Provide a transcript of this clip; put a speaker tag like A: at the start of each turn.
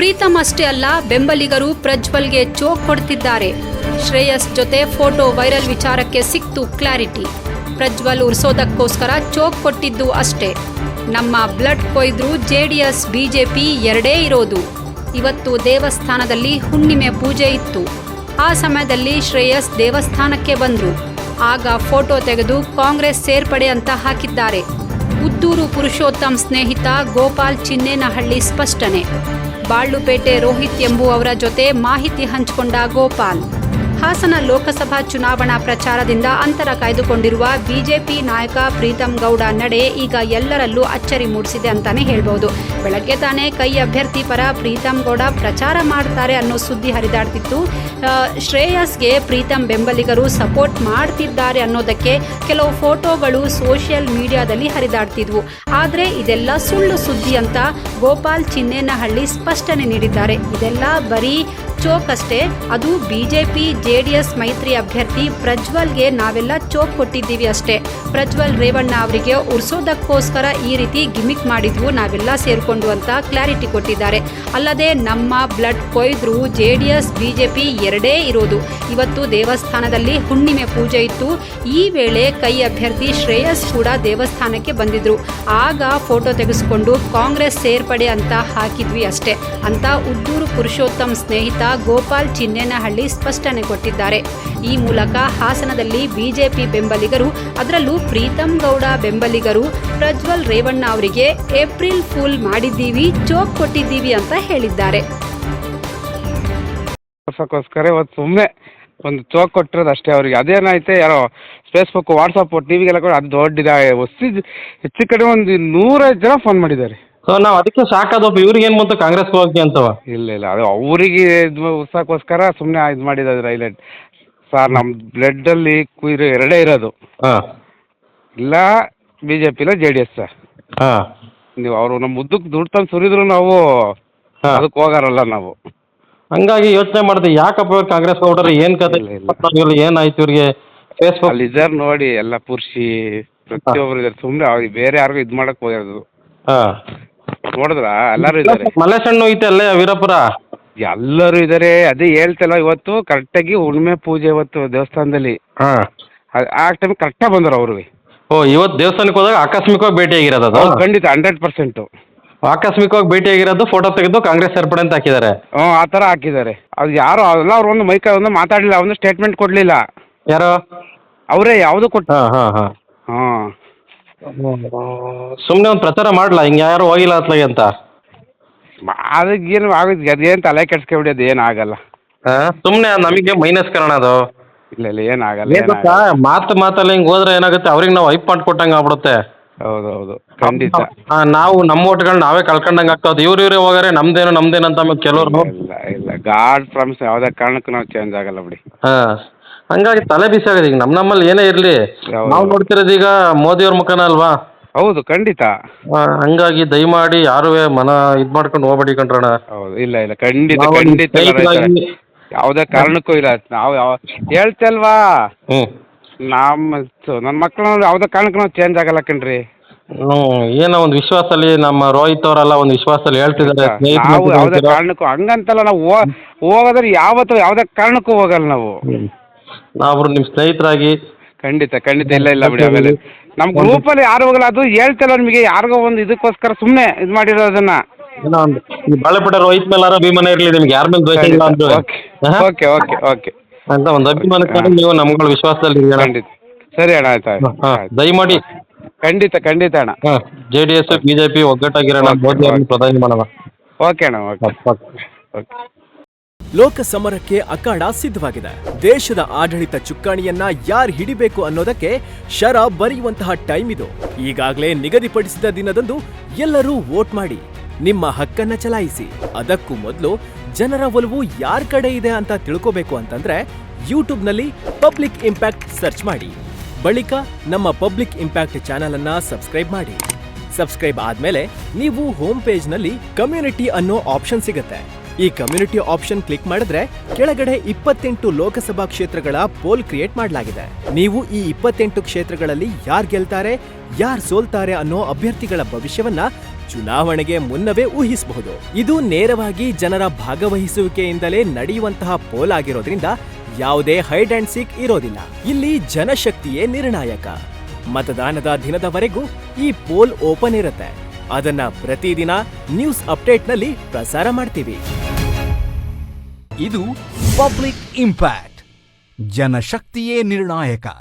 A: ಪ್ರೀತಮ್ ಅಷ್ಟೇ ಅಲ್ಲ, ಬೆಂಬಲಿಗರು ಪ್ರಜ್ವಲ್ಗೆ ಚೋಕ್ ಕೊಡ್ತಿದ್ದಾರೆ. ಶ್ರೇಯಸ್ ಜೊತೆ ಫೋಟೋ ವೈರಲ್ ವಿಚಾರಕ್ಕೆ ಸಿಕ್ತು ಕ್ಲಾರಿಟಿ. ಪ್ರಜ್ವಲ್ ಉರ್ಸೋದಕ್ಕೋಸ್ಕರ ಚೋಕ್ ಕೊಟ್ಟಿದ್ದು ಅಷ್ಟೇ. ನಮ್ಮ ಬ್ಲಡ್ ಕೊಯ್ದ್ರು ಜೆಡಿಎಸ್ ಬಿಜೆಪಿ ಎರಡೇ ಇರೋದು. ಇವತ್ತು ದೇವಸ್ಥಾನದಲ್ಲಿ ಹುಣ್ಣಿಮೆ ಪೂಜೆ ಇತ್ತು. ಆ ಸಮಯದಲ್ಲಿ ಶ್ರೇಯಸ್ ದೇವಸ್ಥಾನಕ್ಕೆ ಬಂದ್ರು. ಆಗ ಫೋಟೋ ತೆಗೆದು ಕಾಂಗ್ರೆಸ್ ಸೇರ್ಪಡೆ ಅಂತ ಹಾಕಿದ್ದಾರೆ. ಉದ್ದೂರು ಪುರುಷೋತ್ತಮ್ ಸ್ನೇಹಿತ ಗೋಪಾಲ್ ಚಿನ್ನೇನಹಳ್ಳಿ ಸ್ಪಷ್ಟನೆ. ಬಾಳ್ಳುಪೇಟೆ ರೋಹಿತ್ ಎಂಬುವವರ ಜೊತೆ ಮಾಹಿತಿ ಹಂಚಿಕೊಂಡ ಗೋಪಾಲ್. ಹಾಸನ ಲೋಕಸಭಾ ಚುನಾವಣಾ ಪ್ರಚಾರದಿಂದ ಅಂತರ ಕಾಯ್ದುಕೊಂಡಿರುವ ಬಿಜೆಪಿ ನಾಯಕ ಪ್ರೀತಮ್ ಗೌಡ ನಡೆ ಈಗ ಎಲ್ಲರಲ್ಲೂ ಅಚ್ಚರಿ ಮೂಡಿಸಿದೆ ಅಂತಾನೆ ಹೇಳ್ಬೋದು. ಬೆಳಗ್ಗೆ ತಾನೇ ಕೈ ಅಭ್ಯರ್ಥಿ ಪರ ಪ್ರೀತಮ್ ಗೌಡ ಪ್ರಚಾರ ಮಾಡ್ತಾರೆ ಅನ್ನೋ ಸುದ್ದಿ ಹರಿದಾಡ್ತಿತ್ತು. ಶ್ರೇಯಸ್ಗೆ ಪ್ರೀತಮ್ ಬೆಂಬಲಿಗರು ಸಪೋರ್ಟ್ ಮಾಡ್ತಿದ್ದಾರೆ ಅನ್ನೋದಕ್ಕೆ ಕೆಲವು ಫೋಟೋಗಳು ಸೋಷಿಯಲ್ ಮೀಡಿಯಾದಲ್ಲಿ ಹರಿದಾಡ್ತಿದ್ವು. ಆದರೆ ಇದೆಲ್ಲ ಸುಳ್ಳು ಸುದ್ದಿ ಅಂತ ಗೋಪಾಲ್ ಚಿನ್ನೇನಹಳ್ಳಿ ಸ್ಪಷ್ಟನೆ ನೀಡಿದ್ದಾರೆ. ಇದೆಲ್ಲ ಬರೀ ಚೋಕ್ ಅಷ್ಟೇ. ಅದು ಬಿಜೆಪಿ ಜೆಡಿಎಸ್ ಮೈತ್ರಿ ಅಭ್ಯರ್ಥಿ ಪ್ರಜ್ವಲ್ಗೆ ನಾವೆಲ್ಲ ಚೋಕ್ ಕೊಟ್ಟಿದ್ದೀವಿ ಅಷ್ಟೇ. ಪ್ರಜ್ವಲ್ ರೇವಣ್ಣ ಅವರಿಗೆ ಉರ್ಸೋದಕ್ಕೋಸ್ಕರ ಈ ರೀತಿ ಗಿಮಿಕ್ ಮಾಡಿದ್ವು ನಾವೆಲ್ಲ ಸೇರ್ಕೊಂಡು ಅಂತ ಕ್ಲಾರಿಟಿ ಕೊಟ್ಟಿದ್ದಾರೆ. ಅಲ್ಲದೆ ನಮ್ಮ ಬ್ಲಡ್ ಕೊಯ್ದ್ರು ಜೆಡಿಎಸ್ ಬಿಜೆಪಿ ಎರಡೇ ಇರೋದು. ಇವತ್ತು ದೇವಸ್ಥಾನದಲ್ಲಿ ಹುಣ್ಣಿಮೆ ಪೂಜೆ ಇತ್ತು. ಈ ವೇಳೆ ಕೈ ಅಭ್ಯರ್ಥಿ ಶ್ರೇಯಸ್ ಕೂಡ ದೇವಸ್ಥಾನಕ್ಕೆ ಬಂದಿದ್ರು. ಆಗ ಫೋಟೋ ತೆಗೆಸಿಕೊಂಡು ಕಾಂಗ್ರೆಸ್ ಸೇರ್ಪಡೆ ಅಂತ ಹಾಕಿದ್ವಿ ಅಷ್ಟೇ ಅಂತ ಉದ್ದೂರು ಪುರುಷೋತ್ತಮ್ ಸ್ನೇಹಿತ ಗೋಪಾಲ್ ಚಿನ್ನೇನಹಳ್ಳಿ ಸ್ಪಷ್ಟನೆ ಕೊಟ್ಟಿದ್ದಾರೆ. ಈ ಮೂಲಕ ಹಾಸನದಲ್ಲಿ ಬಿಜೆಪಿ ಬೆಂಬಲಿಗರು, ಅದರಲ್ಲೂ ಪ್ರೀತಮ್ ಗೌಡ ಬೆಂಬಲಿಗರು ಪ್ರಜ್ವಲ್ ರೇವಣ್ಣ ಅವರಿಗೆ ಏಪ್ರಿಲ್ ಫೂಲ್ ಮಾಡಿದ್ದೀವಿ, ಚೋಕ್ ಕೊಟ್ಟಿದ್ದೀವಿ ಅಂತ ಹೇಳಿದ್ದಾರೆ.
B: ಇವತ್ತು ಸುಮ್ಮನೆ ಒಂದು ಚೋಕ್ ಕೊಟ್ಟಿರೋದು ಅಷ್ಟೇ ಅವ್ರಿಗೆ. ಅದೇನಾಯ್ತು, ಯಾರೋ ಫೇಸ್ಬುಕ್ ವಾಟ್ಸಪ್ ಟಿವಿಗೆಲ್ಲ ಕೂಡ ಅದು ದೊಡ್ಡ ಹೆಚ್ಚು ಕಡೆ ಒಂದು 105 ಜನ ಫೋನ್ ಮಾಡಿದ್ದಾರೆ.
C: ಸೊ ನಾವು ಅದಕ್ಕೆ ಸಾಕಾದಪ್ಪ, ಇವ್ರಿಗೆ ಏನು ಬಂತು ಕಾಂಗ್ರೆಸ್ಗೆ ಹೋಗಿ ಅಂತವ.
B: ಇಲ್ಲ ಅದು ಅವರಿಗೆ ಉತ್ಸಾಹಕ್ಕೋಸ್ಕರ ಸುಮ್ಮನೆ ಇದು ಮಾಡಿದ್ದಾರೆ. ಹೈಲೈಟ್ ಸರ್, ನಮ್ಮ ಬ್ಲಡ್ಡಲ್ಲಿ ಕುಯ್ರು ಎರಡೇ ಇರೋದು.
C: ಹಾಂ,
B: ಇಲ್ಲ ಬಿ ಜೆ ಪಿ ಇಲ್ಲ ಜೆ ಡಿ ಎಸ್ ಸರ್.
C: ಹಾಂ,
B: ನೀವು ಅವರು ನಮ್ಮ ಮುದ್ದಕ್ಕೆ ದುಡ್ಡು ತಂದು ಸುರಿದ್ರು ನಾವು ಅದಕ್ಕೆ ಹೋಗಾರಲ್ಲ ನಾವು.
C: ಹಂಗಾಗಿ ಯೋಚನೆ ಮಾಡಿದೆ ಯಾಕಪ್ಪ ಇವ್ರು ಕಾಂಗ್ರೆಸ್ ಹೊರಟ್ರೆ ಏನು ಕತೆ, ಏನಾಯ್ತು ಇವ್ರಿಗೆ. ಫೇಸ್ಬುಕ್
B: ಅಲ್ಲಿ ಇದ್ದಾರೆ ನೋಡಿ, ಎಲ್ಲ ಪುರುಷಿ ಪ್ರತಿಯೊಬ್ಬರು ಇದ್ದಾರೆ. ಸುಮ್ಮನೆ ಅವ್ರಿಗೆ ಬೇರೆ ಯಾರಿಗೂ ಇದು ಮಾಡಕ್ಕೆ ಹೋಗಿರೋದು.
C: ಹಾಂ,
B: ನೋಡಿದ್ರ ಎಲ್ಲರೂ ಇದ್ದಾರೆ.
C: ಮಲ್ಲೇಶಣ್ಣು ಐತೆ ಅಲ್ಲೇ ವೀರಪುರ,
B: ಎಲ್ಲರೂ ಇದ್ದಾರೆ. ಅದೇ ಹೇಳ್ತಲ್ಲ, ಇವತ್ತು ಕರೆಕ್ಟಾಗಿ ಹುಣ್ಣಿಮೆ ಪೂಜೆ ಇವತ್ತು ದೇವಸ್ಥಾನದಲ್ಲಿ.
C: ಹಾಂ,
B: ಆ ಟೈಮ್ ಕರೆಕ್ಟಾಗಿ ಬಂದರು ಅವ್ರಿಗೆ.
C: ಓ, ಇವತ್ತು ದೇವಸ್ಥಾನಕ್ಕೆ ಹೋದಾಗ ಆಕಸ್ಮಿಕವಾಗಿ ಭೇಟಿಯಾಗಿರೋದು ಅದು?
B: ಖಂಡಿತ 100%.
C: ಆಕಸ್ಮಿಕವಾಗಿ ಭೇಟಿಯಾಗಿರೋದು, ಫೋಟೋ ತೆಗೆದು ಕಾಂಗ್ರೆಸ್ ಸೇರ್ಪಡೆ ಅಂತ ಹಾಕಿದ್ದಾರೆ.
B: ಹ್ಞೂ, ಆ ಥರ ಹಾಕಿದ್ದಾರೆ. ಅದು ಯಾರು ಅಲ್ಲ, ಅವ್ರು ಒಂದು ಮೈಕ ಒಂದು ಮಾತಾಡಲಿಲ್ಲ, ಒಂದು ಸ್ಟೇಟ್ಮೆಂಟ್ ಕೊಡಲಿಲ್ಲ.
C: ಯಾರು?
B: ಅವರೇ ಯಾವುದು ಕೊಟ್ಟು.
C: ಹಾಂ ಹಾಂ
B: ಹಾಂ
C: ಸುಮ್ಮನೆ ಒಂದು ಪ್ರಚಾರ ಮಾಡಲ್ಲ, ಹಿಂಗೆ ಯಾರು ಹೋಗಿಲ್ಲ ಅತ್ಲಾಗೆ ಅಂತ.
B: ಅದಕ್ಕೇನು ಆಗುತ್ತೆ, ಅದೇನು ತಲೆ ಕೆಡ್ಸ್ಕೊಬಿಡಿ, ಅದು ಏನು ಆಗಲ್ಲ.
C: ಸುಮ್ಮನೆ ನಮಗೆ ಮೈನಸ್ ಕಾರಣ ಅದು.
B: ಇಲ್ಲ ಏನಾಗಲ್ಲ.
C: ಮಾತಲ್ಲಿ ಹಿಂಗೆ ಹೋದ್ರೆ ಏನಾಗುತ್ತೆ, ಅವ್ರಿಗೆ ನಾವು ಹೈಪ್ ಮಾಡಿಕೊಟ್ಟಂಗೆ ಆಗ್ಬಿಡುತ್ತೆ.
B: ಹೌದು ಖಂಡಿತ.
C: ನಾವು ನಮ್ಮ ಓಟ್ಗಳು ನಾವೇ ಕಳ್ಕೊಂಡಂಗೆ ಆಗ್ತದೆ. ಇವ್ರೇ ಹೋಗಾರೆ ನಮ್ದೇನು ಅಂತ ಆಮೇಲೆ ಕೆಲವರು.
B: ಇಲ್ಲ ಗಾಡ್ ಪ್ರಾಮಿಸ್ ಯಾವುದೇ ಕಾರಣಕ್ಕೂ ನಾವು ಚೇಂಜ್ ಆಗಲ್ಲ ಬಿಡಿ.
C: ಹಾಂ, ಹಂಗಾಗಿ ತಲೆ ಬಿಸಿ ಆಗಿದೆ. ಈಗ ನಮ್ಮಲ್ಲಿ ಏನೇ ಇರಲಿ, ನಾವು ನೋಡ್ತಿರೋದು ಈಗ ಮೋದಿಯವ್ರ ಮುಖನ ಅಲ್ವಾ.
B: ಹೌದು ಖಂಡಿತ.
C: ಹಂಗಾಗಿ ದಯಮಾಡಿ ಯಾರು ಮನ ಇದು ಮಾಡ್ಕೊಂಡು ಹೋಗ್ಬೇಡಿ ಕಣ್ರಣ.
B: ಹೌದು, ಇಲ್ಲ ಖಂಡಿತ ಯಾವುದೇ ಕಾರಣಕ್ಕೂ ಇಲ್ಲ. ನಾವು ಹೇಳ್ತಲ್ವಾ, ನನ್ನ ಮಕ್ಕಳು ಯಾವುದೇ ಕಾರಣಕ್ಕೂ ನಾವು ಚೇಂಜ್ ಆಗಲ್ಲ ಕಣ್ರಿ.
C: ಏನೋ ಒಂದು ವಿಶ್ವಾಸದಲ್ಲಿ ನಮ್ಮ ರೋಹಿತ್ ಅವರೆಲ್ಲ ಒಂದು ವಿಶ್ವಾಸದಲ್ಲಿ ಹೇಳ್ತಿದ್ದಾರೆ.
B: ನಾವು ಯಾವುದೇ ಕಾರಣಕ್ಕೂ ಹಂಗಂತಲ್ಲ, ನಾವು ಹೋಗೋದ್ರೆ ಯಾವುದೇ ಕಾರಣಕ್ಕೂ ಹೋಗಲ್ಲ ನಾವು.
C: ನಾವು ನಿಮ್ಮ ಸ್ನೇಹಿತರಾಗಿ.
B: ಖಂಡಿತ ಇಲ್ಲ ಬಿಡಿ. ಆಮೇಲೆ ನಮ್ಮ ಗ್ರೂಪಲ್ಲಿ ಯಾರು ಹೋಗಲ್ಲ, ಅದು ಹೇಳ್ತಲ್ಲ ನಿಮಗೆ, ಯಾರಿಗೋ ಒಂದು ಇದಕ್ಕೋಸ್ಕರ ಸುಮ್ಮನೆ ಇದು ಮಾಡಿರೋದನ್ನ.
C: ಬಾಳೆಪೇಟೆ ರೋಹಿತ್ ಮೇಲೆ ಅಭಿಮಾನ ಇರಲಿ, ನಿಮ್ಗೆ ಯಾರ ಮೇಲೆ ದ್ವೇಷ ಇಲ್ಲ ಅಂದ್ರೆ
B: ಓಕೆ
C: ಅಂತ ಒಂದು ಅಭಿಮಾನಕ್ಕೆ ನೀವು ನಮ್ಗಳ ವಿಶ್ವಾಸದಲ್ಲಿ.
B: ಖಂಡಿತ ಸರಿ ಅಣ್ಣ, ಆಯ್ತು.
C: ದಯಮಾಡಿ
B: ಖಂಡಿತ ಅಣ್ಣ.
C: JDS BJP ಒಗ್ಗಟ್ಟಾಗಿರೋಣ, ಮೋದಿ ಅವರನ್ನು ಪ್ರಧಾನಿ ಮಾಡೋಣ.
B: ಓಕೆ ಅಣ್ಣ, ಓಕೆ.
D: ಲೋಕ ಸಮರಕ್ಕೆ ಅಖಾಡ ಸಿದ್ಧವಾಗಿದೆ. ದೇಶದ ಆಡಳಿತ ಚುಕ್ಕಾಣಿಯನ್ನ ಯಾರು ಹಿಡಿಬೇಕು ಅನ್ನೋದಕ್ಕೆ ಶರ ಬರೆಯುವಂತಹ ಟೈಮ್ ಇದು. ಈಗಾಗಲೇ ನಿಗದಿಪಡಿಸಿದ ದಿನದಂದು ಎಲ್ಲರೂ ವೋಟ್ ಮಾಡಿ, ನಿಮ್ಮ ಹಕ್ಕನ್ನ ಚಲಾಯಿಸಿ. ಅದಕ್ಕೂ ಮೊದಲು ಜನರ ಒಲವು ಯಾರ ಕಡೆ ಇದೆ ಅಂತ ತಿಳ್ಕೋಬೇಕು ಅಂತಂದ್ರೆ ಯೂಟ್ಯೂಬ್ನಲ್ಲಿ ಪಬ್ಲಿಕ್ ಇಂಪ್ಯಾಕ್ಟ್ ಸರ್ಚ್ ಮಾಡಿ. ಬಳಿಕ ನಮ್ಮ ಪಬ್ಲಿಕ್ ಇಂಪ್ಯಾಕ್ಟ್ ಚಾನೆಲ್ ಅನ್ನ ಸಬ್ಸ್ಕ್ರೈಬ್ ಮಾಡಿ. ಸಬ್ಸ್ಕ್ರೈಬ್ ಆದ್ಮೇಲೆ ನೀವು ಹೋಮ್ ಪೇಜ್ ನಲ್ಲಿ ಕಮ್ಯುನಿಟಿ ಅನ್ನೋ ಆಪ್ಷನ್ ಸಿಗುತ್ತೆ. ಈ ಕಮ್ಯುನಿಟಿ ಆಪ್ಷನ್ ಕ್ಲಿಕ್ ಮಾಡಿದ್ರೆ ಕೆಳಗಡೆ 28 ಲೋಕಸಭಾ ಕ್ಷೇತ್ರಗಳ ಪೋಲ್ ಕ್ರಿಯೇಟ್ ಮಾಡಲಾಗಿದೆ. ನೀವು ಈ 28 ಕ್ಷೇತ್ರಗಳಲ್ಲಿ ಯಾರು ಗೆಲ್ತಾರೆ, ಯಾರು ಸೋಲ್ತಾರೆ ಅನ್ನೋ ಅಭ್ಯರ್ಥಿಗಳ ಭವಿಷ್ಯವನ್ನ ಚುನಾವಣೆಗೆ ಮುನ್ನವೇ ಊಹಿಸಬಹುದು. ಇದು ನೇರವಾಗಿ ಜನರ ಭಾಗವಹಿಸುವಿಕೆಯಿಂದಲೇ ನಡೆಯುವಂತಹ ಪೋಲ್ ಆಗಿರೋದ್ರಿಂದ ಯಾವುದೇ ಹೈಡ್ ಅಂಡ್ ಸೀಕ್ ಇರೋದಿಲ್ಲ. ಇಲ್ಲಿ ಜನಶಕ್ತಿಯೇ ನಿರ್ಣಾಯಕ. ಮತದಾನದ ದಿನದವರೆಗೂ ಈ ಪೋಲ್ ಓಪನ್ ಇರುತ್ತೆ. ಅದನ್ನ ಪ್ರತಿದಿನ ನ್ಯೂಸ್ ಅಪ್ಡೇಟ್ನಲ್ಲಿ ಪ್ರಸಾರ ಮಾಡ್ತೀವಿ.
E: ಇದು ಪಬ್ಲಿಕ್ ಇಂಪ್ಯಾಕ್ಟ್. ಜನಶಕ್ತಿಯೇ ನಿರ್ಣಾಯಕ.